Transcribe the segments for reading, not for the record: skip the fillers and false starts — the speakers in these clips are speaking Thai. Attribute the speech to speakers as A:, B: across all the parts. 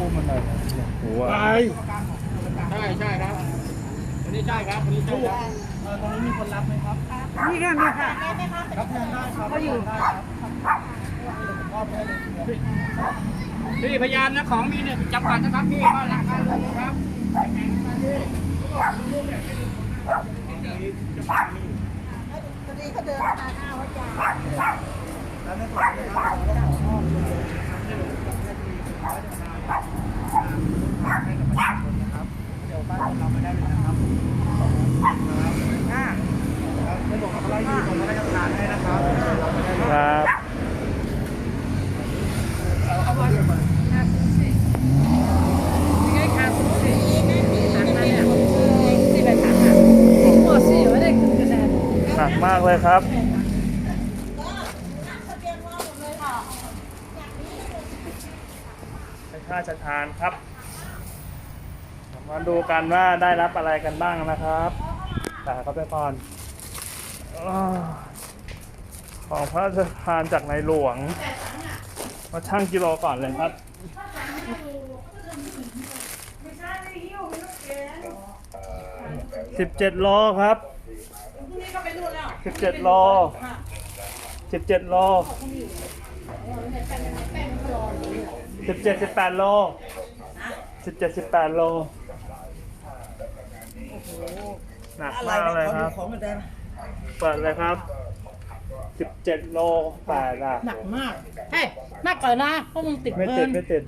A: มันหน่อยหัว
B: ใช่ครับอันนี้ใช่ครับอันนี้ใช่ครับตรงนี้มีคนรับไหมครับนี่ค่ะนี่ค่ะรับแทนได้ครับเขาอยู่พี่พยานนะของมีเนี่ยจำกัดนะครับพี่บ้านหลังนั้นเลยครับ
C: พอดีเขาเดินมาหน้าวัดยา
B: แล้วในส่วนนี้ครับให้กับประชาชนนะครับเดี๋ยวบ้านเราไม่ได้เลยนะครับในส่วนของเราอยู่ตรงนั้นจะทานให้นะครับ
A: ครับหนักมากเลยครับเป็นข้าราชทานครับมาดูกันว่าได้รับอะไรกันบ้างนะครับแต่เขาไปก่อนของพระราชทานจากในหลวงมาชั่งกิโลก่อนเลยครับ17 โลครับ17 โล17 โล18 โล17-18 โลหนักมากเลยครับเปิดเลยครับ17 โล8อ่ะ
D: หนักมากเฮ้ยหนักก่อนนะเพราะมึงติด
A: ไม่ติดไม่ติด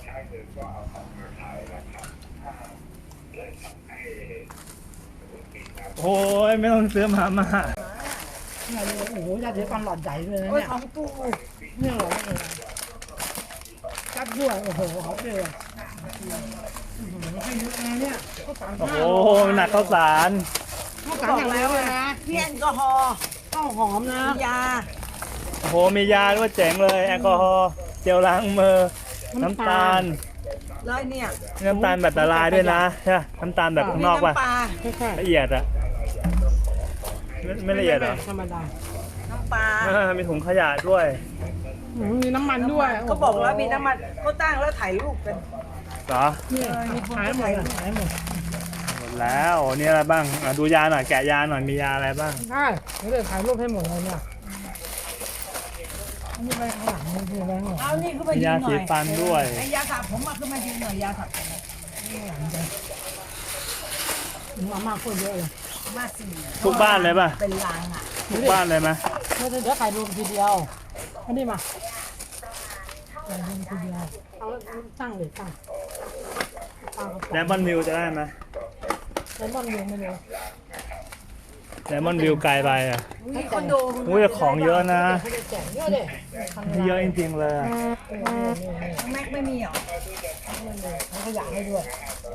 A: โอ้ยไม่ต้องซื้อมา
D: เนี่ยโอ้โหยาสีฟันหลอดใหญ่เลยนะเนี่ยของตู้เนี่ยหรอจับด้วยโอ้โหเขาเปรี้ยวให้เยอะนะเนี่ย
A: โอ้โหหนักข้าวสาร
D: อย่างแล้วนะ
C: พี่แอลกอฮอล์
D: ข้าวหอมนะ
C: ยา
A: โอ้โหมียาด้วยเจ๋งเลยแอลกอฮอล์เจลล้างมือน้ำตาล
C: แล้วเนี่ย
A: น้ำตาลแบบละลายด้วยนะใช่น้ำตาลแบบข้างนอกป่ะละเอียดอะไม่ละเอียดเหรอ
D: ธรรมดา
C: น้ำปลา
A: มีถุงขยะด้วย
D: มีน้ำมันด้วย
C: ก็บอกแล้วมีน้ำมันก็ตั้งแล้วถ่ายรูปกัน
A: เหรอ
D: หายหมดหม
A: ดแล้วนี่อะไรบ้างดูยาหน่อยแกะยาหน่อยมียาอะไรบ้าง
D: ใช่เดี๋ยวถ่ายรูปให้หมดเลยเนี่ยนี่ไปข้างหลังนี่อะไรหมด
C: เอานี่ขึ้นมายืนหน่อย
A: ยาสีฟันด้วย
C: ไอ้ยาสระผมมาขึ้นมายืนหน่อยยาสระผม
D: มามากคนเยอะเลย
C: มาสี่
A: ทุกบ้านเลยป่ะ
C: เป็นลางอ่ะ
A: ทุกบ้านเลยไหม
D: เดี๋ยวถ่ายรูปทีเดียวอันนี้มาถ่ายรูปทีเดียวเอาตั้งเลยตั้ง
A: แดมอนวิวจะได้ไหม
D: แดมอนวิวไม่รู้
A: แดมอนวิวไกลไปอ่ะ
C: คอนโด
A: อุ้ยของเยอะนะ
D: เยอะเลย
A: เยอะจริงๆเลย
C: แม็กไม่มีหรอ
D: ขยะให้ด้วย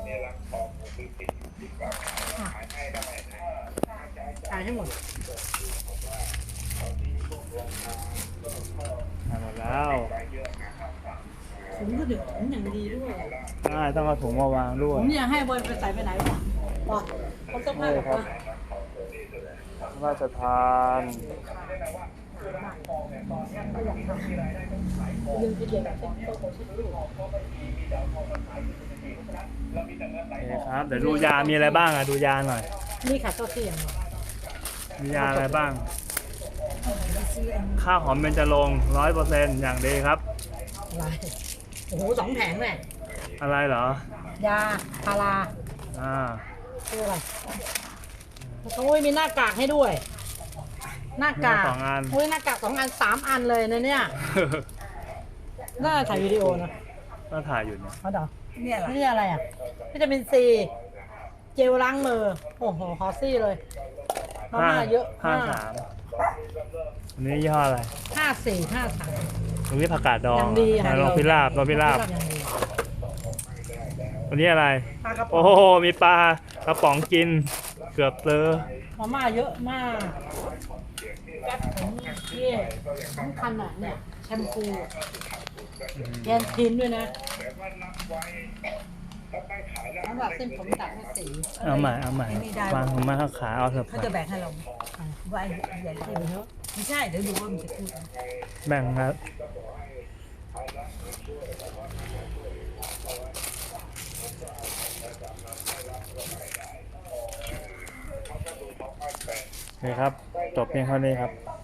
D: ถ่ายให้หมด
A: หมดแล้ว
D: ถุงก็ดึกถุงอย่างดีด้วย
A: ต้องเอาถุงมาวางด้วย
D: ผมเนี่ยให้บอยไปใส่ไปไหนวะเขาต้องให้ครับ
A: ราชทานนี่ครับเดี๋ยวดูยามีอะไรบ้างดูยาหน่อย
D: นี่ค่ะตัวเสี่ยง
A: มียาอะไรบ้างข้าวหอมเบญจรงค์ 100% อย่างดีครับ
D: อะไรโอ้โห2 แผงเลย
A: อะไรเหร
D: อยาพาราคืออะไรเขามีหน้ากากให้ด้วยหน้ากาก
A: 2 อัน
D: หน้ากาก2 อัน3 อันเลยนะเนี่ยน่าถ่ายวิดีโอนะ
A: น่าถ่ายอยู่เนี่ย
D: เขาเดานี่อะไรอ่ะวิตามินซีเจลล้างมือโอ้โหฮอซี่เลยมาม่าเยอะ
A: 53อันนี้ยี่ห้ออะไร
D: 54 53
A: ตรงนี้ผักกาดดองลองพิราบอันนี้อะไรโอ้โหมีปลากระป๋องกินเกือบเจอ
D: มาม่าเยอะมากแป๊บผมนี่สำคัญอ่ะเนี่ยแชมพูแกนทินด้วยนะสำหรับเส้นผมตัดให้สี
A: เอาใหม่วางผมมาขาเอาเถอะ
C: เขาจะแบ่งให้เราว่าใหญ่ที่เยอะไม่ใช่เดี๋ยวดูว่ามันจะพูด
A: แบ่งครับครับ จบเพียงเท่านี้ครับ